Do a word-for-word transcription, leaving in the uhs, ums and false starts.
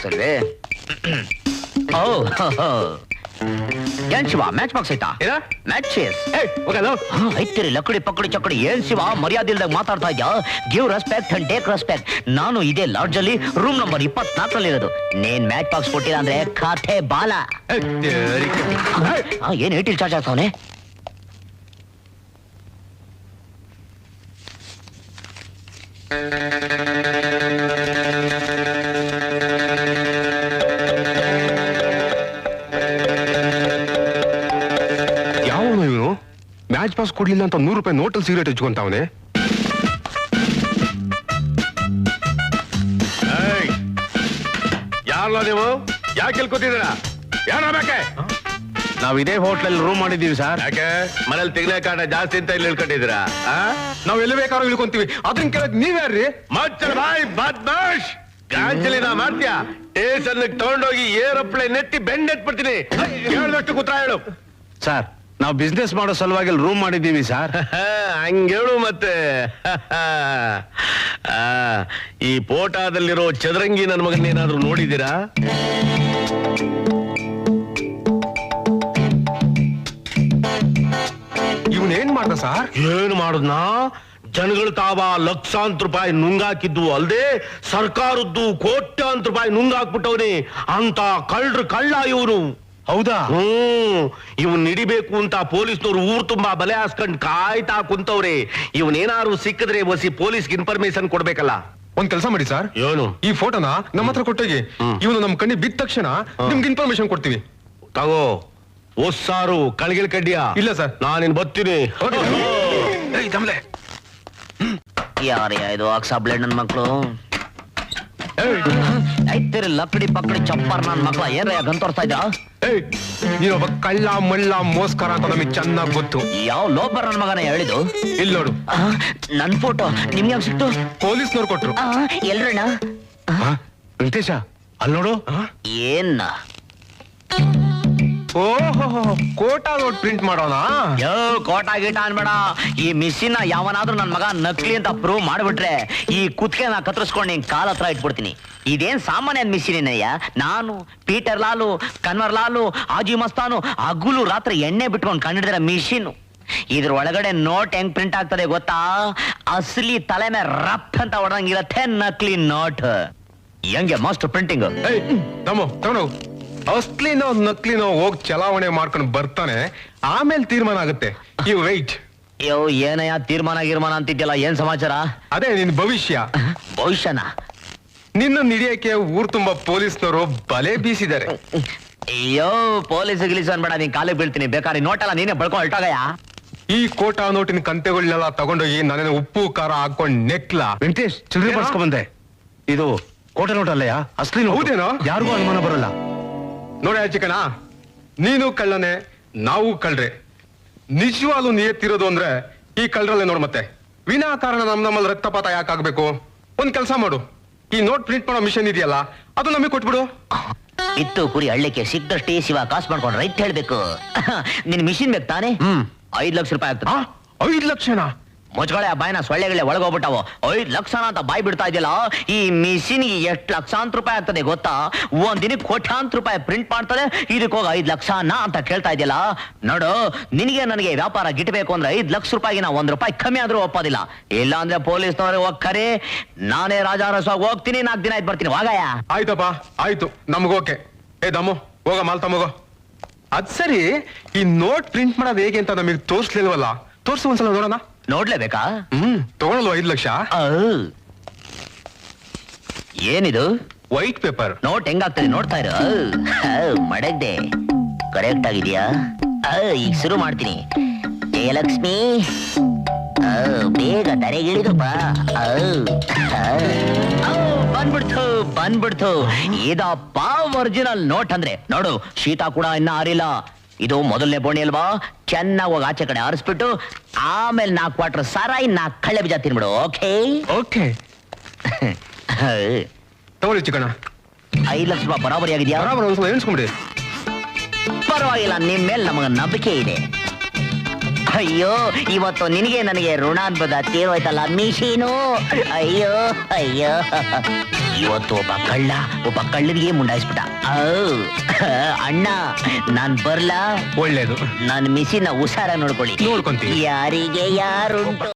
Box ಅಲ್ವೇ? ಏನ್ Shiva match box ಐತಾ? ಮ್ಯಾಚಸ್ ಐತಿರಿ ಲಕಡಿ ಪಕಡಿ ಚಕಡಿ. ಏನ್ ಶಿವ ಮರ್ಯಾದೆ ಇಲ್ದಾಗ ಮಾತಾಡ್ತಾ ಇದ್ಯಾ? Give respect and take respect. ನಾನು ಇದೇ ಲಾಡ್ಜ್ ಅಲ್ಲಿ ರೂಮ್ ನಂಬರ್ ಇಪ್ಪತ್ನಾಲ್ಕರಲ್ಲಿ ಇರೋದು. ನೀನ್ ಮ್ಯಾಚ್ ಬಾಕ್ಸ್ ಕೊಟ್ಟಿಲ್ಲ ಅಂದ್ರೆ ಖಾತೆ ಬಾಲ. ಏನ್ ಏಟಿಲ್ ಚಾರ್ಜ್ ಆಗ್ತಾವನೆ? ಮ್ಯಾಚ್ ಪಾಸ್ ಕೊಡ್ಲಿಲ್ಲ ಅಂತ ನೂರು ರೂಪಾಯಿ ನೋಟಲ್ ಸಿಗರೇಟ್ ಹಚ್ಕೊಂತಾವನೆ. ಯಾರಲ್ಲ ನೀವು? ಯಾಕೆ ಕೇಳ್ಕೊತಿದ್ದೀರಾ? ಯಾರ ಬೇಕೆ? ನಾವ್ ಇದೇ ಹೋಟ್ಲಲ್ಲಿ ರೂಮ್ ಮಾಡಿದೀವಿ ಸರ್. ಯಾಕೆ ಮನೇಲಿ ತೆಗ್ಲೆ ಕಾಟ ಜಾಸ್ತಿ ಅಂತ ಇಲ್ಲಿ ಇಳ್ಕೊಂಡಿದ್ದೀರಾ? ನಾವ್ ಎಲ್ಲಿ ಬೇಕಾದ್ರೂ ಇಳ್ಕೊಂತೀವಿ. ಅದನ್ನ ಕೇಳಕ್ ನೀವ್ಯಾರ್ರಿ? ಮಚ್ಚ ಬಾಯ್ ಬದ್ಮಾಶ್ ಗಾಂಜಲಿನ ಮಾಡ್ತೀಯ? ಸ್ಟೇಷನ್ ತಗೊಂಡೋಗಿ ಏರೋಪ್ಲೇನ್ ನೆತ್ತಿ ಬೆಂಡೆತ್ಬಿಡ್ತೀನಿ. ಕೇಳಿದಷ್ಟು ಕೂತ್ರ ಹೇಳು. ಸರ್ ನಾವು ಬಿಸ್ನೆಸ್ ಮಾಡೋ ಸಲುವಾಗಿ ರೂಮ್ ಮಾಡಿದ್ದೀವಿ ಸರ್. ಹಂಗೇಳು ಮತ್ತೆ. ಈ ಫೋಟೋದಲ್ಲಿರೋ ಚದರಂಗಿ ನನ್ನ ಮಗನ ಏನಾದ್ರೂ ನೋಡಿದ್ದೀರಾ? ಇವನೇನ್ ಮಾಡ್ದ ಸರ್? ಏನ್ ಮಾಡುದ್ನಾ? ಜನಗಳು ತಾವ ಲಕ್ಷಾಂತರ ರೂಪಾಯಿ ನುಂಗಾಕಿದ್ದು ಅಲ್ದೆ ಸರ್ಕಾರದ್ದು ಕೋಟ್ಯಾಂತರ ರೂಪಾಯಿ ನುಂಗಾಕ್ಬಿಟ್ಟವ್ನಿ. ಅಂತ ಕಳ್ರು ಕಳ್ಳ ಇವನು. ಹೌದಾ? ಹ್ಮ್. ಇವನ್ ಹಿಡಿಬೇಕು ಅಂತ ಪೊಲೀಸ್ನವ್ರು ಊರ್ ತುಂಬಾ ಬಲೆ ಹಾಸ್ಕೊಂಡ್ ಕಾಯ್ತಾ ಕುಂತವ್ರೆ. ಇವನೇನಾರು ಸಿಕ್ಕಿದ್ರೆ ಒಸಿ ಪೊಲೀಸ್ಗೆ ಇನ್ಫಾರ್ಮೇಶನ್ ಕೊಡ್ಬೇಕಲ್ಲ. ಒಂದ್ ಕೆಲಸ ಮಾಡಿ ಸರ್, ಏನು? ಈ ಫೋಟೋನ ನಮ್ಮ ಹತ್ರ ಕೊಟ್ಟೋಗಿ, ಇವನು ನಮ್ ಕಣ್ಣಿ ಬಿದ್ದ ತಕ್ಷಣ ನಿಮ್ಗೆ ಇನ್ಫಾರ್ಮೇಶನ್ ಕೊಡ್ತೀವಿ. ತಗೋ. ಒಸ್ಸಾರು ಕಳ್ಗಿಲ್ ಕಡ್ಡಿಯ? ಇಲ್ಲ ಸರ್, ನಾನಿನ್ ಬರ್ತೀನಿ. ಯಾರ್ಯಾ ಇದು ಅಕ್ಸಾ ಬ್ಲೇಡ್ ನನ್ ಮಕ್ಳು? ಐತಿರಿ ಲಕಡಿ ಪಕಡಿ ಚಪ್ಪರ್ ನನ್ ಮಕ್ಳ. ಏನ್ರಯ್ಯ ಗಂತೋರ್ತಾ ಇದ್ದ? ನೀನೊಬ್ಬ ಕಳ್ಳ ಮಳ್ಳ ಮೋಸ್ಕರ ಅಂತ ನಮಗ್ ಚೆನ್ನಾಗ್ ಗೊತ್ತು. ಯಾವ ಲೋಬರ್ ನನ್ ಮಗನ ಹೇಳಿದು? ಇಲ್ಲಿ ನೋಡು, ನನ್ ಫೋಟೋ ನಿಮ್ಗೆ ಯಾವಾಗ ಸಿಕ್ತು? ಪೊಲೀಸ್ನವ್ರು ಕೊಟ್ರು. ಎಲ್ರಣ್ಣ? ವೆಂಕಟೇಶ ಅಲ್ಲಿ ನೋಡು. ಏನ್ ಓಹೋ, ಕೋಟಾ ನೋಟ್ ಪ್ರಿಂಟ್ ಮಾಡೋಣ? ಯೋ ಕೋಟಾ ಗೀಟ ಅನ್ಬೇಡ. ಈ ಮಿಷಿನ್ ಯಾವನಾದ್ರೂ ನನ್ ಮಗ ನಕಲಿ ಅಂತ ಪ್ರೂವ್ ಮಾಡ್ಬಿಟ್ರೆ ಈ ಕುತ್ಕೆ ನಾ ಕತ್ತರಿಸ್ಕೊಂಡು ನಿನ್ ಕಾಲ ಹತ್ರ ಇಟ್ಬಿಡ್ತೀನಿ. ಇದೇನ್ ಸಾಮಾನ್ಯ ಮಿಷಿನ್ ಏನಯ್ಯ? ನಾನು ಪೀಟರ್ ಲಾಲು, ಕನ್ವರ್ ಲಾಲು, ಆಜಿ ಮಸ್ತಾನು ಹಗುಲು ರಾತ್ರಿ ಎಣ್ಣೆ ಬಿಟ್ಕೊಂಡು ಕಂಡಿಡಿದ್ರೆ ಮಿಷಿನ್. ಇದ್ರ ಒಳಗಡೆ ನೋಟ್ ಹೆಂಗ್ ಪ್ರಿಂಟ್ ಆಗ್ತದೆ ಗೊತ್ತಾ? ಅಸಲಿ ತಲೆ ಮೇಲೆ ರಫ್ ಅಂತ ಹೊಡೆದಂಗಿರತ್ತೆ ನಕಲಿ ನೋಟ್. ಹೆಂಗೆ ಮಾಸ್ಟರ್ ಪ್ರಿಂಟಿಂಗ್? ತಮ್ಮೋ ತಗೊಂಡು ಅಸ್ಲಿನೋ ನಕ್ಲಿನೋ ಹೋಗಿ ಚಲಾವಣೆ ಮಾಡ್ಕೊಂಡು ಬರ್ತಾನೆ, ಆಮೇಲೆ ತೀರ್ಮಾನ ಆಗುತ್ತೆ. You white. ಯೋ ಏನಯ್ಯ ತೀರ್ಮಾನ ಗಿರ್ಮಾನ ಅಂತಿದ್ಯಲ್ಲ, ಏನ್ ಸಮಾಚಾರ? ಅದೇ ನಿನ್ ಭವಿಷ್ಯ. ಭವಿಷ್ಯನ? ನಿನ್ನ ಹಿಡಿಯಕ್ಕೆ ಊರ್ ತುಂಬಾ ಪೊಲೀಸ್ನವರು ಬಲೆ ಬೀಸಿದ್ದಾರೆ. ಅಯ್ಯೋ ಪೊಲೀಸ್ ಗಿಲೀಸ್ ಅನ್ಬೇಡ, ನೀನ್ ಕಾಲಿಗೆ ಬೀಳ್ತೀನಿ. ಬೇಕಾದ್ರೆ ನೋಟಲ್ಲ ನೀನೇ ಬಳ್ಕೊಂಡು ಹೊರಟಾಗಯ್ಯ. ಈ ಕೋಟಾ ನೋಟಿನ ಕಂತೆಗಳನ್ನೆಲ್ಲ ತಗೊಂಡೋಗಿ ನಾನೇನು ಉಪ್ಪು ಖಾರ ಹಾಕೊಂಡ್ ನೆಕ್ಲಾ. ವೆಂಕಟೇಶ್ ಚಿಲ್ಲರೆ ಬರ್ಸ್ಕೊಂಡ್ ಬಂದೆ. ಇದು ಕೋಟೆ ನೋಟ್ ಅಲ್ಲಯ್ಯ, ಅಸ್ಲಿ ನೋಟ್. ಹೌದೇನೋ? ಯಾರಿಗೂ ಅನುಮಾನ ಬರಲ್ಲ. ನೋಡ ಚಿಕಣ, ನೀನು ಕಳ್ಳನೆ, ನಾವು ಕಳ್ರೆ. ನಿಜವಾಗ್ಲೂ ನಿಯತ್ತಿರೋದು ಅಂದ್ರೆ ಈ ಕಳ್ಳರಲ್ಲೇ ನೋಡ್. ಮತ್ತೆ ವಿನಾಕಾರಣ ನಮ್ ನಮ್ಮಲ್ಲಿ ರಕ್ತಪಾತ ಯಾಕಾಗ್ಬೇಕು? ಒಂದ್ ಕೆಲಸ ಮಾಡು, ಈ ನೋಟ್ ಪ್ರಿಂಟ್ ಮಾಡೋ ಮಿಷನ್ ಇದೆಯಲ್ಲ ಅದು ನಮಗೆ ಕೊಟ್ಬಿಡು. ಇತ್ತು ಕುರಿ ಹಳ್ಳಿಕ್ಕೆ ಸಿಕ್ದಷ್ಟೇ ಶಿವ ಕಾಸು ಮಾಡ್ಕೊಂಡು ರೈಟ್ ಹೇಳ್ಬೇಕು. ನಿನ್ ಮಿಷಿನ್ ಬೇಕು ತಾನೆ? ಐದ್ ಲಕ್ಷ ರೂಪಾಯಿ ಆಗ್ತದೆ. ಐದ್ ಲಕ್ಷನಾ? ಮುಚ್ಕೊಳೆ ಆ ಬಾಯಿನ, ಸೊಳ್ಳೆಗಳೇ ಒಳಗೋಗ್ಬಿಟ್ಟಾವ. ಐದ್ ಲಕ್ಷನ ಅಂತ ಬಾಯ್ ಬಿಡ್ತಾ ಇದೆಯಲ್ಲ. ಈ ಮಿಷಿನ್ಗೆ ಎಷ್ಟು ಲಕ್ಷಾಂತರ ರೂಪಾಯಿ ಆಗ್ತದೆ ಗೊತ್ತಾ? ಒಂದ್ ದಿನಕ್ಕೆ ಕೋಟ್ಯಾಂತರ ರೂಪಾಯಿ ಪ್ರಿಂಟ್ ಮಾಡ್ತದೆ. ಇದಕ್ಕೆ ಹೋಗಿ ಐದ್ ಲಕ್ಷನ ಅಂತ ಕೇಳ್ತಾ ಇದೆಯಲ್ಲ. ನೋಡು, ನಿನಗೆ ನನಗೆ ವ್ಯಾಪಾರ ಗಿಟ್ಬೇಕು ಅಂದ್ರೆ ಐದ್ ಲಕ್ಷ ರೂಪಾಯಿಗೆ ನಾ ಒಂದ್ ರೂಪಾಯಿ ಕಮ್ಮಿ ಆದ್ರೂ ಒಪ್ಪೋದಿಲ್ಲ. ಇಲ್ಲ ಅಂದ್ರೆ ಪೊಲೀಸ್ನವ್ರೆ ಹೋಗ್ಕರೆ, ನಾನೇ ರಾಜಾರಸವಾಗಿ ಹೋಗ್ತೀನಿ. ನಾಲ್ಕು ದಿನ ಆಯ್ತು ಬರ್ತೀನಿ. ವಾಗಯ್ಯ. ಆಯ್ತಪ್ಪ, ಆಯ್ತು, ನಮಗೋಕೆ. ಏ ದಮ್ಮು, ಹೋಗ ಮಾಲ್ ತಮಗೋ. ಅದ್ ಸರಿ, ಈ ನೋಟ್ ಪ್ರಿಂಟ್ ಮಾಡೋದು ಹೇಗೆ ಅಂತ ನಮಗೆ ತೋರ್ಸ್ಲಿಲ್ವಲ್ಲ? ತೋರ್ಸು ಒಂದ್ಸಲ ನೋಡೋಣ. ನೋಡ್ಲೇಬೇಕಾ? ಹ್ಮ್, ತಗೊಳಲ್ವ ಐದ್ ಲಕ್ಷ? ಏನಿದು? ವೈಟ್ ಪೇಪರ್ ನೋಟ್ ಹೆಂಗಾಗ್ತದೆ ನೋಡ್ತಾ ಇರು. ಮಡಗ್ದೆ ಕರೆಕ್ಟ್ ಆಗಿದ್ಯಾ? ಈಗ ಶುರು ಮಾಡ್ತೀನಿ. ಜಯಲಕ್ಷ್ಮಿ, ಬೇಗ ತಲೆಗಿಳಿದು ಬಾ. ಬಂದ್ಬಿಡ್ತು ಬಂದ್ಬಿಡ್ತು. ಇದಪ್ಪ ಒರಿಜಿನಲ್ ನೋಟ್ ಅಂದ್ರೆ. ನೋಡು, ಶೀತ ಕೂಡ ಇನ್ನ ಆರಿಲ್ಲ. ಇದು ಮೊದಲನೇ ಬೋಣಿ ಅಲ್ವಾ? ಚೆನ್ನಾಗಿ ಹೋಗಿ ಆಚೆ ಕಡೆ ಆರಿಸ್ಬಿಟ್ಟು ಆಮೇಲೆ ನಾಲ್ಕು ಕ್ವಾರ್ಟರ್ ಸಾರಾಯಿ ನಾಲ್ಕು ಕಳ್ಳೆ ಬೀಜ ತಿನ್ಬಿಡು. Okay okay. ತಗೊಳ್ಳಿ ಚಿಕ್ಕಣ್ಣ. ಐದು ಲಕ್ಷ ರೂಪಾಯಿ ಬರಾಬರಿ ಆಗಿದ್ಯಾ? ಬರಾಬರಿ, ಒಂದ್ಸಲ ಎಣಿಸ್ಕೊಂಬಿಡಿ. ಪರವಾಗಿಲ್ಲ, ನಿಮ್ ಮೇಲೆ ನಮಗ ನಂಬಿಕೆ ಇದೆ. ಅಯ್ಯೋ ಇವತ್ತು ನಿನಗೆ ನನಗೆ ಋಣ ಅನ್ಬೋದ ತೀರೋಯ್ತಲ್ಲ ಮಿಷಿನು. ಅಯ್ಯೋ ಅಯ್ಯೋ ಇವತ್ತು ಒಬ್ಬ ಕಳ್ಳ ಒಬ್ಬ ಕಳ್ಳನಿಗೆ ಮುಂಡಾಯಿಸ್ಬಿಟ್ಟ. ಔ, ಅಣ್ಣ ನಾನ್ ಬರ್ಲಾ? ಒಳ್ಳೇದು, ನನ್ ಮಿಷಿನ ಹುಷಾರ ನೋಡ್ಕೊಳ್ಳಿ. ನೋಡ್ಕೊಂತೀವಿ. ಯಾರಿಗೆ ಯಾರುಂಟು